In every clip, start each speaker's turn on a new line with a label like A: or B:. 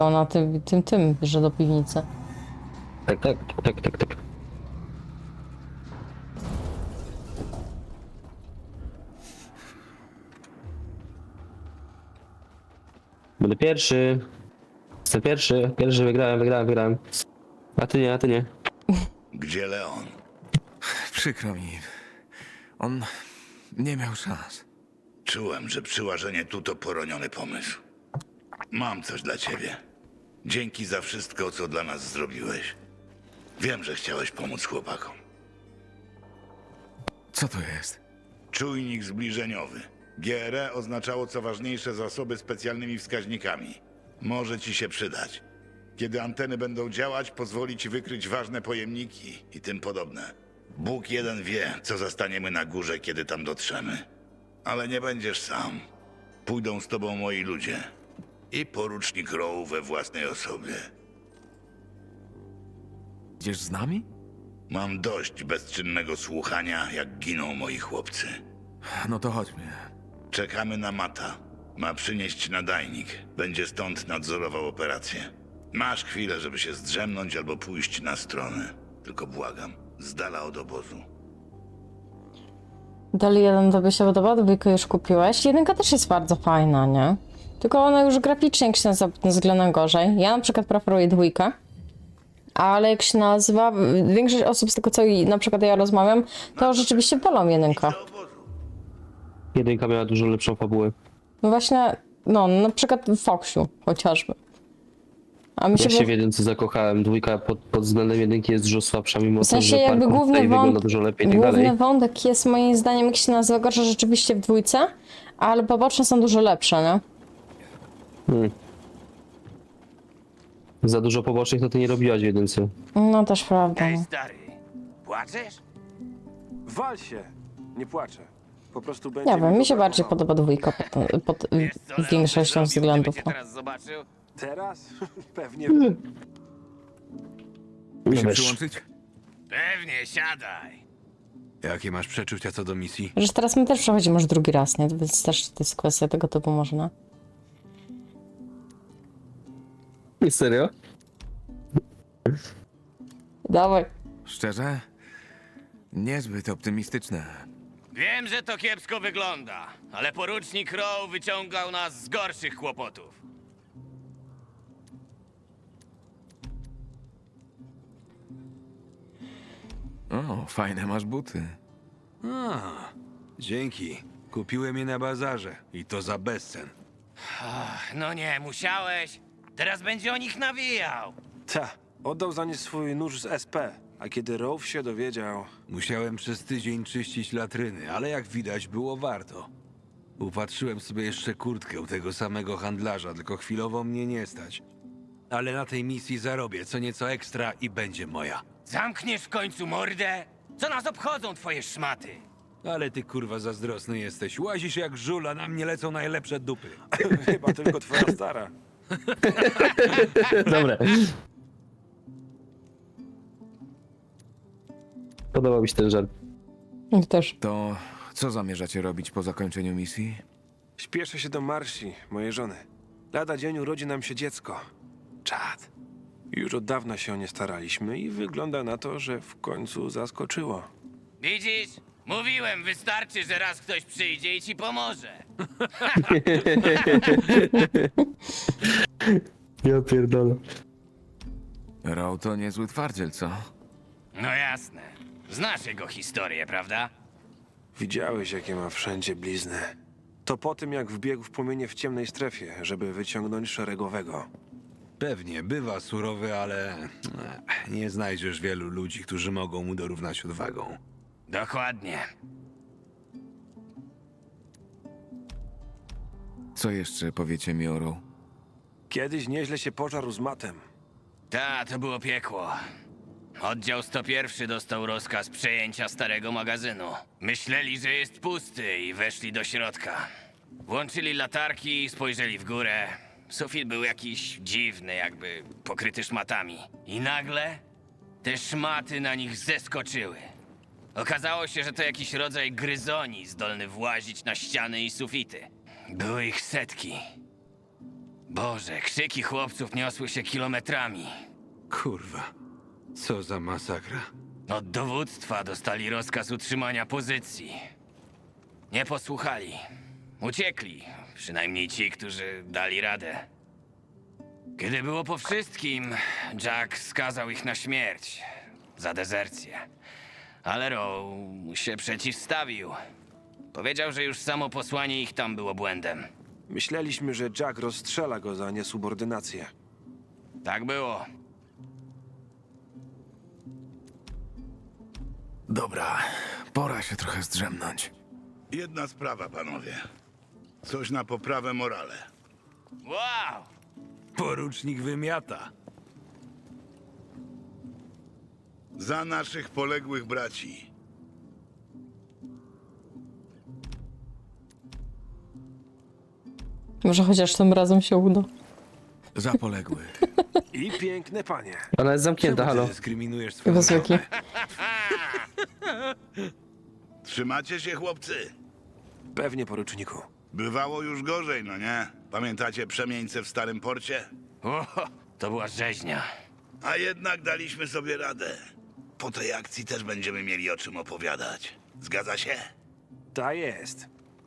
A: na tym, że do piwnicy.
B: Tak. Będę pierwszy. Jestem pierwszy. Wygrałem. A ty nie.
C: Gdzie Leon?
D: Przykro mi. On nie miał szans.
C: Czułem, że przyłażenie tu to poroniony pomysł. Mam coś dla ciebie. Dzięki za wszystko, co dla nas zrobiłeś. Wiem, że chciałeś pomóc chłopakom.
D: Co to jest?
C: Czujnik zbliżeniowy. GRE oznaczało co ważniejsze zasoby specjalnymi wskaźnikami. Może ci się przydać. Kiedy anteny będą działać, pozwoli ci wykryć ważne pojemniki i tym podobne. Bóg jeden wie, co zastaniemy na górze, kiedy tam dotrzemy. Ale nie będziesz sam. Pójdą z tobą moi ludzie. I porucznik Rowe we własnej osobie.
D: Idziesz z nami?
C: Mam dość bezczynnego słuchania, jak giną moi chłopcy.
D: No to chodźmy.
C: Czekamy na Mata. Ma przynieść nadajnik. Będzie stąd nadzorował operację. Masz chwilę, żeby się zdrzemnąć albo pójść na stronę. Tylko błagam, z dala od obozu.
A: Dali 1 tobie się podoba, 2 już kupiłeś. 1 też jest bardzo fajna, nie? Tylko ona już graficznie, jak się nazywa, pod tym względem gorzej. Ja na przykład preferuję 2. Ale jak się nazywa, większość osób z tego, co na przykład ja rozmawiam, to rzeczywiście wolą 1.
B: Jedynka miała dużo lepszą fabułę.
A: No właśnie, no na przykład w Foxiu chociażby. A mi się
B: Ja się w jedynce zakochałem. 2 pod względem jedynki jest dużo słabsza, mimo
A: w sensie
B: to, że
A: jakby
B: parkour tutaj wygląda dużo lepiej i tak dalej.
A: główny wątek jest moim zdaniem, jak się nazywa, gorsze rzeczywiście w 2, ale poboczne są dużo lepsze, nie?
B: Za dużo pobocznych to ty nie robiłaś w jedynce.
A: No też prawda.
E: Ej,
A: No.
E: stary, płaczesz?
F: Wal się! Nie płaczę. Po prostu będzie
A: Nie wiem, mi się
F: go
A: bardziej
F: brakowało.
A: podoba 2 pod
E: Wiesz co, Leon
A: większością
E: by zrobił,
A: względów.
E: gdyby
A: No.
E: cię teraz zobaczył?
F: Teraz? Pewnie.
D: By się
B: wiesz.
D: przyłączyć?
E: Pewnie, siadaj.
G: Jakie masz przeczucia co do misji?
A: Że teraz my też przechodzimy już drugi raz, nie? Więc też to jest kwestia tego typu można.
B: Nie serio?
A: Dawaj.
D: Szczerze? Niezbyt optymistyczne.
E: Wiem, że to kiepsko wygląda, ale porucznik Rowe wyciągał nas z gorszych kłopotów.
D: O, fajne masz buty.
G: A, dzięki. Kupiłem je na bazarze i to za bezcen.
E: No nie, musiałeś. Teraz będzie o nich nawijał.
F: Ta, oddał za nie swój nóż z SP, a kiedy Rowe się dowiedział...
G: Musiałem przez tydzień czyścić latryny, ale jak widać było warto. Upatrzyłem sobie jeszcze kurtkę u tego samego handlarza, tylko chwilowo mnie nie stać. Ale na tej misji zarobię co nieco ekstra i będzie moja.
E: Zamkniesz w końcu mordę? Co nas obchodzą twoje szmaty?
G: Ale ty kurwa zazdrosny jesteś. Łazisz jak żul, a na mnie lecą najlepsze dupy.
F: Chyba tylko twoja stara.
B: Dobre. Podobał mi się ten żart.
A: I też.
D: To co zamierzacie robić po zakończeniu misji?
F: Śpieszę się do Marsi, mojej żony. Lada dzień urodzi nam się dziecko. Czad. Już od dawna się o nie staraliśmy i wygląda na to, że w końcu zaskoczyło.
E: Widzisz? Mówiłem, wystarczy, że raz ktoś przyjdzie i ci pomoże.
B: Ja pierdolę.
D: Row to niezły twardziel, co?
E: No jasne. Znasz jego historię, prawda?
F: Widziałeś, jakie ma wszędzie blizny. To po tym, jak wbiegł w płomienie w ciemnej strefie, żeby wyciągnąć szeregowego.
G: Pewnie, bywa surowy, ale nie znajdziesz wielu ludzi, którzy mogą mu dorównać odwagą.
E: Dokładnie.
D: Co jeszcze powiecie mi o Row?
F: Kiedyś nieźle się pożarł z matem.
E: Ta, to było piekło. Oddział 101 dostał rozkaz przejęcia starego magazynu. Myśleli, że jest pusty i weszli do środka. Włączyli latarki, spojrzeli w górę. Sufit był jakiś dziwny, jakby pokryty szmatami. I nagle te szmaty na nich zeskoczyły. Okazało się, że to jakiś rodzaj gryzoni zdolny włazić na ściany i sufity. Były ich setki. Boże, krzyki chłopców niosły się kilometrami.
G: Kurwa, co za masakra.
E: Od dowództwa dostali rozkaz utrzymania pozycji. Nie posłuchali. Uciekli. Przynajmniej ci, którzy dali radę. Kiedy było po wszystkim, Jack skazał ich na śmierć. Za dezercję. Ale Rowe się przeciwstawił. Powiedział, że już samo posłanie ich tam było błędem.
F: Myśleliśmy, że Jack rozstrzela go za niesubordynację.
E: Tak było.
D: Dobra, pora się trochę zdrzemnąć.
C: Jedna sprawa, panowie. Coś na poprawę morale.
E: Wow!
G: Porucznik wymiata.
C: Za naszych poległych braci.
A: Może chociaż tym razem się uda.
D: Za poległych.
F: I piękne panie.
B: Ona jest zamknięta,
G: Czemu
B: halo.
G: ty dyskryminujesz swoją
A: Chyba zwykli.
C: Trzymacie się, chłopcy?
F: Pewnie, poruczniku.
C: Bywało już gorzej, no nie? Pamiętacie przemieńce w Starym Porcie?
E: O, to była rzeźnia.
C: A jednak daliśmy sobie radę. Po tej akcji też będziemy mieli o czym opowiadać. Zgadza się?
F: Ta jest.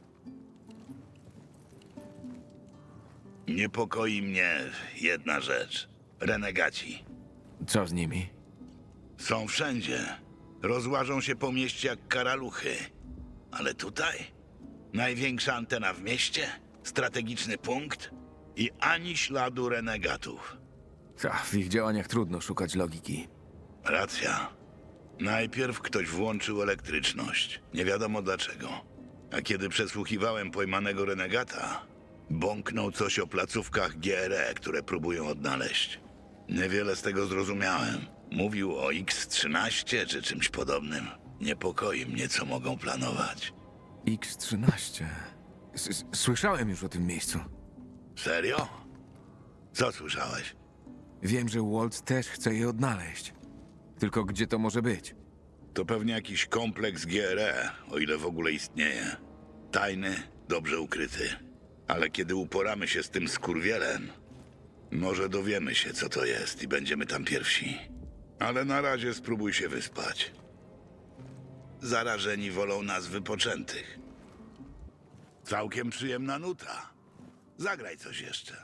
C: Niepokoi mnie jedna rzecz. Renegaci.
D: Co z nimi?
C: Są wszędzie. Rozłażą się po mieście jak karaluchy. Ale tutaj? Największa antena w mieście? Strategiczny punkt? I ani śladu renegatów.
D: W ich działaniach trudno szukać logiki.
C: Racja. Najpierw ktoś włączył elektryczność. Nie wiadomo dlaczego. A kiedy przesłuchiwałem pojmanego renegata, bąknął coś o placówkach GRE, które próbują odnaleźć. Niewiele z tego zrozumiałem. Mówił o X-13 czy czymś podobnym. Niepokoi mnie, co mogą planować.
D: X-13. Słyszałem już o tym miejscu.
C: Serio? Co słyszałeś?
D: Wiem, że Walt też chce je odnaleźć. Tylko gdzie to może być?
C: To pewnie jakiś kompleks GRE, o ile w ogóle istnieje. Tajny, dobrze ukryty. Ale kiedy uporamy się z tym skurwielem, może dowiemy się, co to jest i będziemy tam pierwsi. Ale na razie spróbuj się wyspać. Zarażeni wolą nas wypoczętych. Całkiem przyjemna nuta. Zagraj coś jeszcze.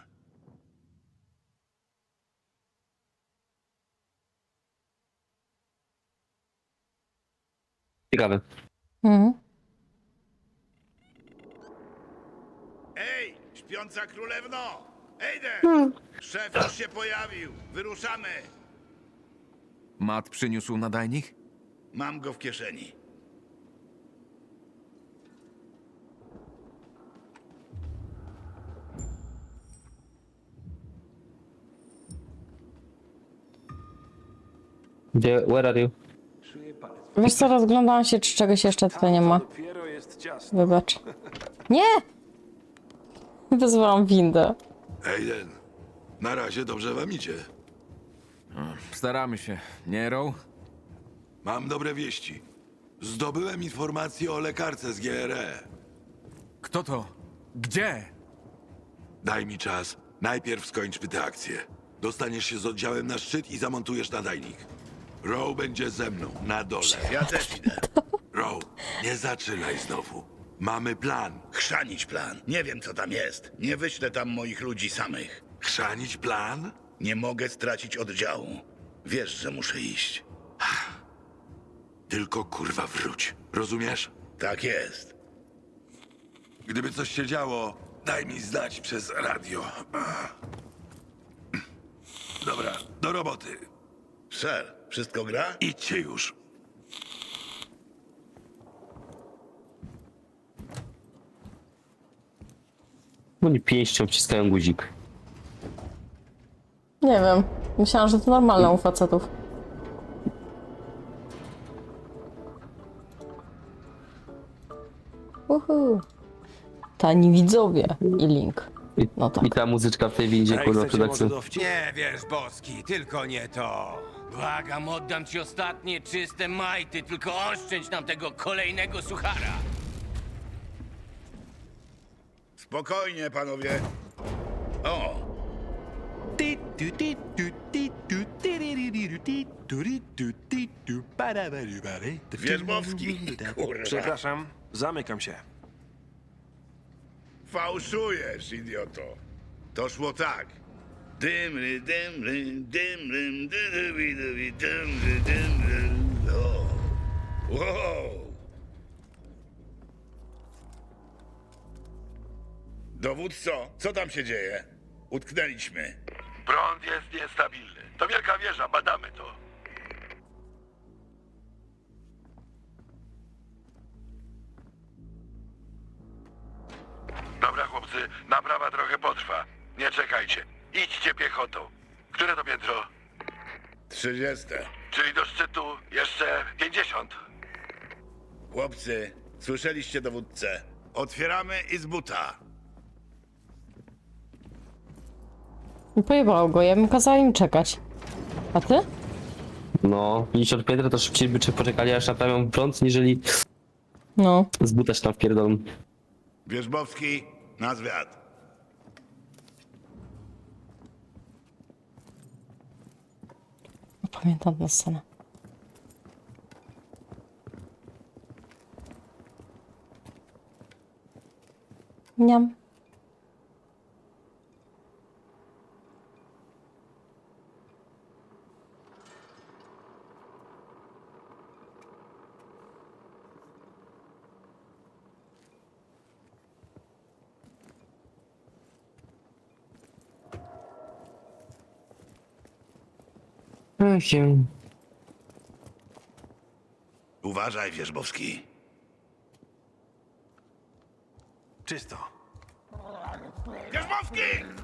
B: Ciekawe.
A: Mhm.
C: Ej, śpiąca królewno! Ejden! Szef już się pojawił. Wyruszamy.
D: Matt przyniósł nadajnik?
C: Mam go w kieszeni.
B: Where are you?
A: Wiesz co, rozglądałam się, czy czegoś jeszcze tutaj nie ma.
F: Dopiero jest ciasno.
A: Wybacz. Nie! Wyzwałam windę.
H: Aiden, na razie dobrze wam idzie.
D: Staramy się, nie, Row?
H: Mam dobre wieści. Zdobyłem informacje o lekarce z GRE.
D: Kto to? Gdzie?
H: Daj mi czas. Najpierw skończmy tę akcję. Dostaniesz się z oddziałem na szczyt i zamontujesz nadajnik. Row będzie ze mną, na dole.
C: Ja też idę.
H: Row, nie zaczynaj znowu. Mamy plan.
C: Chrzanić plan. Nie wiem, co tam jest. Nie wyślę tam moich ludzi samych.
H: Chrzanić plan?
C: Nie mogę stracić oddziału. Wiesz, że muszę iść.
H: Tylko kurwa wróć. Rozumiesz?
C: Tak jest.
H: Gdyby coś się działo, daj mi znać przez radio. Dobra, do roboty.
C: Sir, wszystko gra?
H: Idźcie już.
B: Oni pięścią wciskają guzik.
A: Nie wiem. Myślałam, że to normalne u facetów. Uhu. Tani widzowie i link. No tak.
B: I ta muzyczka w tej windzie,
F: Ej,
B: kurwa,
F: chcecie
B: przed
F: może
B: akcją.
F: dowcip?
G: Nie wiesz, Boski, tylko nie to.
E: Błagam, oddam ci ostatnie czyste majty, tylko oszczędź nam tego kolejnego suchara.
C: Spokojnie, panowie. O, Wierzbowski, kurwa.
F: Przepraszam, zamykam się.
C: Fałszujesz, idioto. To szło tak. Dymry, dymry, dymrym, dydybi, dybi, dymry, dymry. O. Wow. Dowódco, co tam się dzieje? Utknęliśmy.
H: Prąd jest niestabilny. To wielka wieża, badamy to. Dobra, chłopcy, naprawa trochę potrwa. Nie czekajcie. Idźcie piechotą. Które to piętro?
C: 30.
H: Czyli do szczytu jeszcze 50.
C: Chłopcy, słyszeliście dowódcę. Otwieramy i z buta.
A: Pojebało go, ja bym kazała im czekać. A ty?
B: No, 50 piętra to szybciej by czy poczekali aż naprawią prąd, niżeli
A: No.
B: z buta się tam wpierdolą.
C: Wierzbowski, na zwiat.
A: Pamiętam tę scenę. Niam.
C: Uważaj, Wierzbowski.
F: Czysto.
C: Wierzbowski!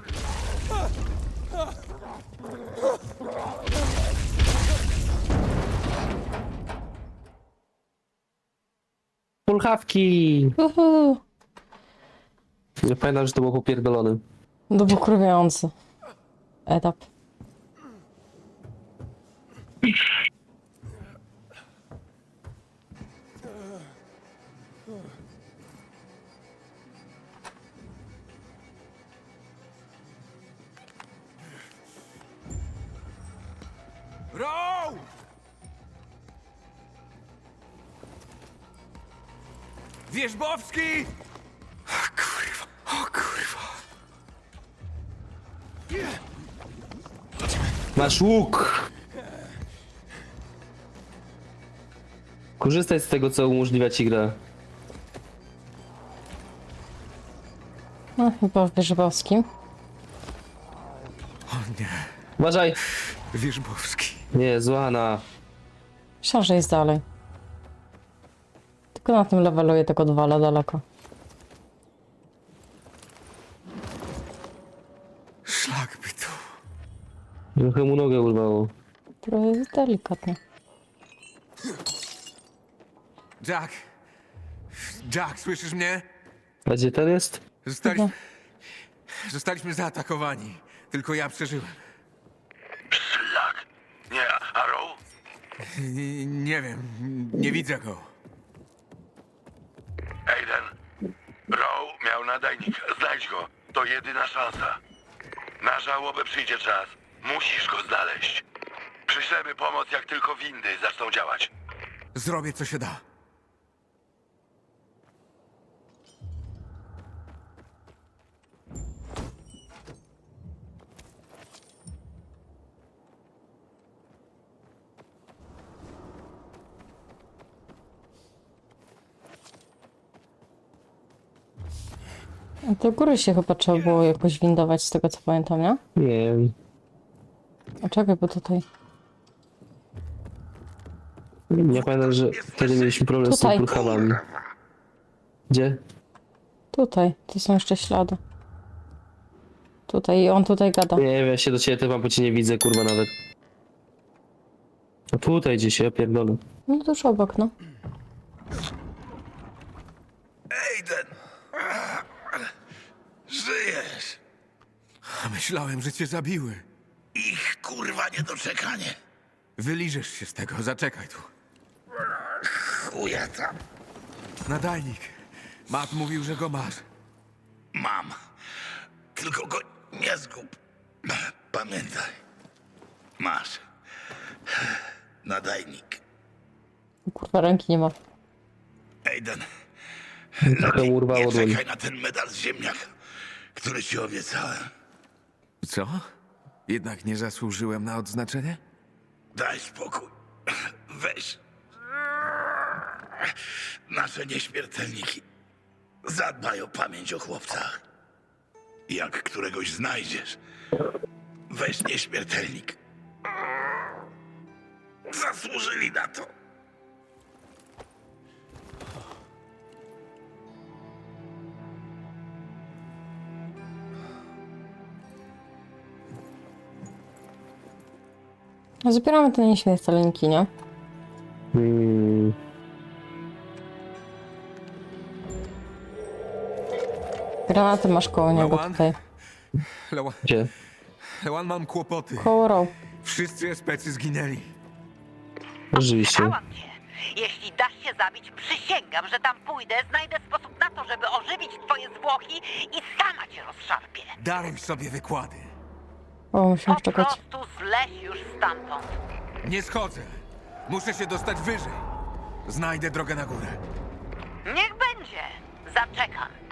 B: Pulchawki!
A: Uhu.
B: Nie pamiętam, że to było popierdolone.
A: To był kurwiający etap.
D: Row! Wierzbowski!
B: Masz łuk! Korzystaj z tego, co umożliwia ci gra.
A: No, chyba w Wierzbowskim.
D: O nie,
B: Uważaj!
D: Wierzbowski.
B: Nie, złana.
A: Myślałam, że jest dalej. Tylko na tym levelu je tego odwala daleko.
D: Szlak by tu.
B: Trochę mu nogę urwało.
A: Trochę delikatnie.
D: Jack! Jack, słyszysz mnie?
B: A gdzie ten jest?
D: Zostaliśmy zaatakowani. Tylko ja przeżyłem.
H: Szlak. Nie, Arrow?
D: Nie wiem, nie widzę go.
H: Aiden. Row miał nadajnik. Znajdź go. To jedyna szansa. Na żałobę przyjdzie czas. Musisz go znaleźć. Przyślemy pomoc, jak tylko windy zaczną działać.
D: Zrobię, co się da.
A: Do góry się chyba trzeba było jakoś windować, z tego co pamiętam, nie?
B: Nie wiem.
A: A czekaj, bo tutaj...
B: Ja pamiętam, że wtedy mieliśmy problem z
A: Tutaj.
B: tymi pulchawami. Gdzie?
A: Tutaj, to są jeszcze ślady. Tutaj, i on tutaj gada.
B: Nie wiem, ja się do ciebie tepam, bo cię nie widzę, kurwa, nawet. A tutaj gdzieś, ja pierdolę.
A: No tuż obok, no.
C: Aiden! Żyjesz!
D: Myślałem, że cię zabiły.
C: Ich kurwa niedoczekanie.
D: Wyliżesz się z tego, zaczekaj tu.
C: Chuja tam.
D: Nadajnik. Matt mówił, że go masz.
C: Mam. Tylko go nie zgub. Pamiętaj. Masz. Nadajnik.
A: Kurwa, ręki nie ma.
C: Aiden,
B: Trochę mu urwało
C: nie
B: dłoń.
C: czekaj na ten medal z ziemniaka, który ci obiecałem.
D: Co? Jednak nie zasłużyłem na odznaczenie?
C: Daj spokój. Weź. Nasze nieśmiertelniki zadbaj o pamięć o chłopcach. Jak któregoś znajdziesz, weź nieśmiertelnik. Zasłużyli na to.
A: Zbieramy te nieśmiertelniki, nie? Granaty masz koło niego
D: Lewan?
A: tutaj.
B: Gdzie?
D: Lewan, mam kłopoty.
A: Koło row.
D: Wszyscy especy zginęli.
B: Rzeczywiście.
I: Pytałam cię. Jeśli dasz się zabić, przysięgam, że tam pójdę, znajdę sposób na to, żeby ożywić twoje zwłoki i sama cię rozszarpię.
D: Daruj sobie wykłady.
A: O, musimy
I: Po
A: czekać.
I: prostu zleć już stamtąd.
D: Nie schodzę. Muszę się dostać wyżej. Znajdę drogę na górę.
I: Niech będzie. Zaczekam.